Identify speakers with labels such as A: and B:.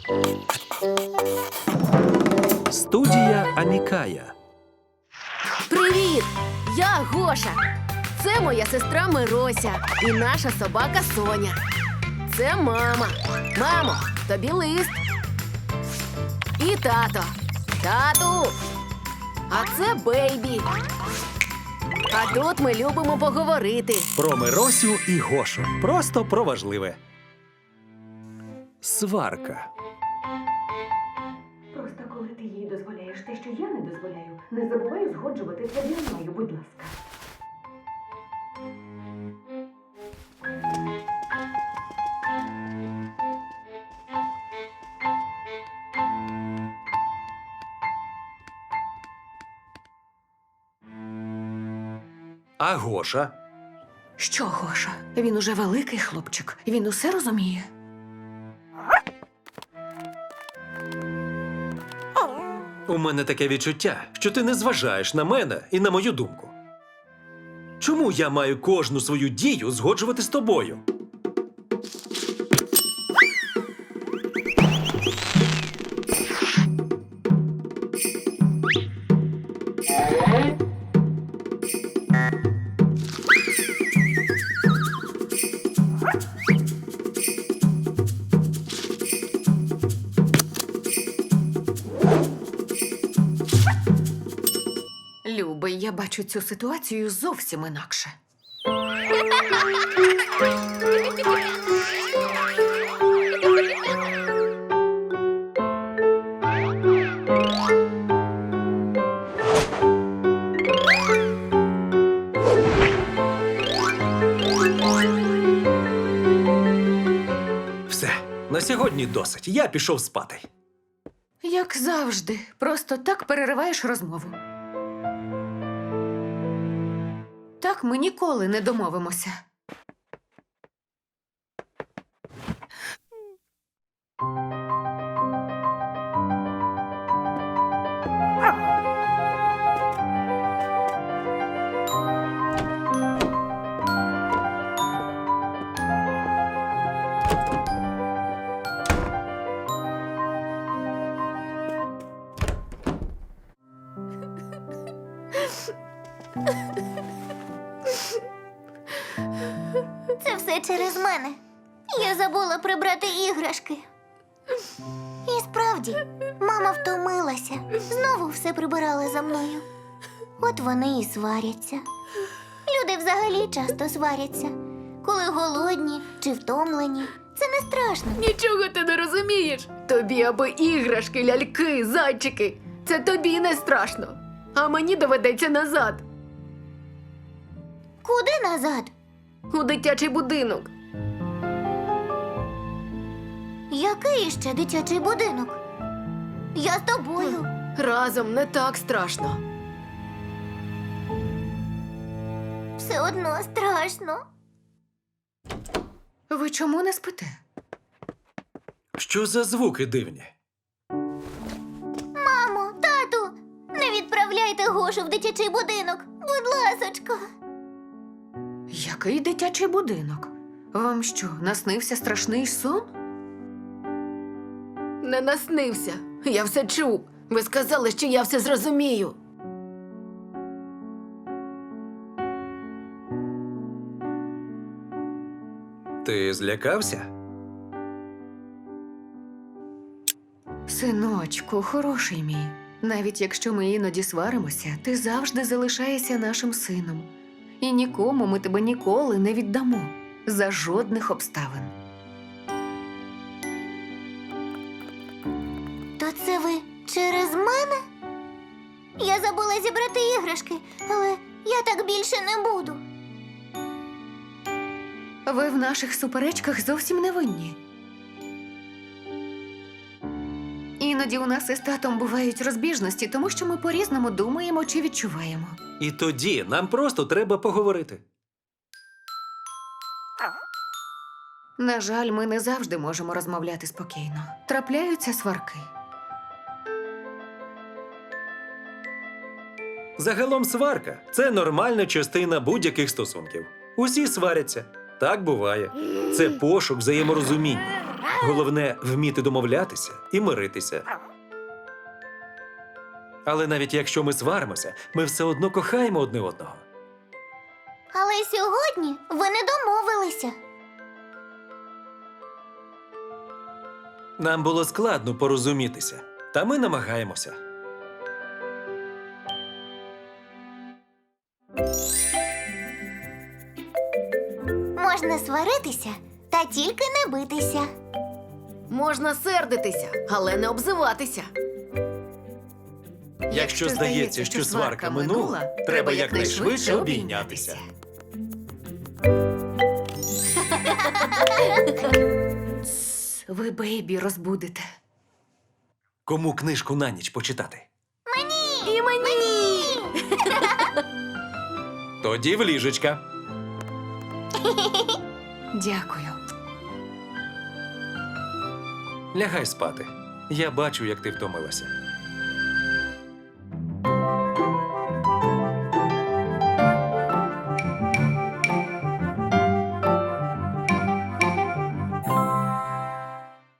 A: Студія Амікая.
B: Привіт! Я Гоша. Це моя сестра Мирося і наша собака Соня. Це мама. Мамо, тобі лист. І тато. Тату. А це Бейбі. А тут ми любимо поговорити.
A: Про Миросю і Гошу. Просто про важливе. Сварка.
C: Просто коли ти їй дозволяєш те, що я не дозволяю, не забувай згоджуватися зі мною, будь ласка.
A: А Гоша?
C: Що, Гоша? Він уже великий хлопчик. Він усе розуміє.
A: У мене таке відчуття, що ти не зважаєш на мене і на мою думку. Чому я маю кожну свою дію згоджувати з тобою?
C: Любий, я бачу цю ситуацію зовсім інакше.
A: Все, на сьогодні досить. Я пішов спати.
C: Як завжди, просто так перериваєш розмову. Так ми ніколи не домовимося.
D: Це все через мене. Я забула прибрати іграшки. І справді, мама втомилася. Знову все прибирала за мною. От вони і сваряться. Люди взагалі часто сваряться. Коли голодні чи втомлені. Це не страшно.
B: Нічого ти не розумієш. Тобі аби іграшки, ляльки, зайчики. Це тобі не страшно. А мені доведеться назад.
D: Куди назад?
B: У дитячий будинок.
D: Який ще дитячий будинок? Я з тобою.
B: Разом не так страшно.
D: Все одно страшно.
C: Ви чому не спите?
A: Що за звуки дивні?
D: Мамо, тату, не відправляйте Гошу в дитячий будинок. Будь ласочка.
C: Який дитячий будинок? Вам що, наснився страшний сон?
B: Не наснився. Я все чув. Ви сказали, що я все зрозумію.
A: Ти злякався?
C: Синочку, хороший мій. Навіть якщо ми іноді сваримося, ти завжди залишаєшся нашим сином. І нікому ми тебе ніколи не віддамо. За жодних обставин.
D: То це ви через мене? Я забула зібрати іграшки, але я так більше не буду.
C: Ви в наших суперечках зовсім не винні. Іноді у нас із татом бувають розбіжності, тому що ми по-різному думаємо чи відчуваємо.
A: І тоді нам просто треба поговорити.
C: На жаль, ми не завжди можемо розмовляти спокійно. Трапляються сварки.
A: Загалом сварка – це нормальна частина будь-яких стосунків. Усі сваряться. Так буває. Це пошук взаєморозуміння. Головне вміти домовлятися і миритися. Але навіть якщо ми сваримося, ми все одно кохаємо одне одного.
D: Але сьогодні ви не домовилися.
A: Нам було складно порозумітися, та ми намагаємося.
D: Можна сваритися, та тільки не битися.
B: Можна сердитися, але не обзиватися.
A: Якщо здається, що сварка минула, треба якнайшвидше обійнятися.
C: Ви бейбі розбудите.
A: Кому книжку на ніч почитати?
B: І мені!
A: Тоді в ліжечка.
C: Дякую.
A: Лягай спати. Я бачу, як ти втомилася.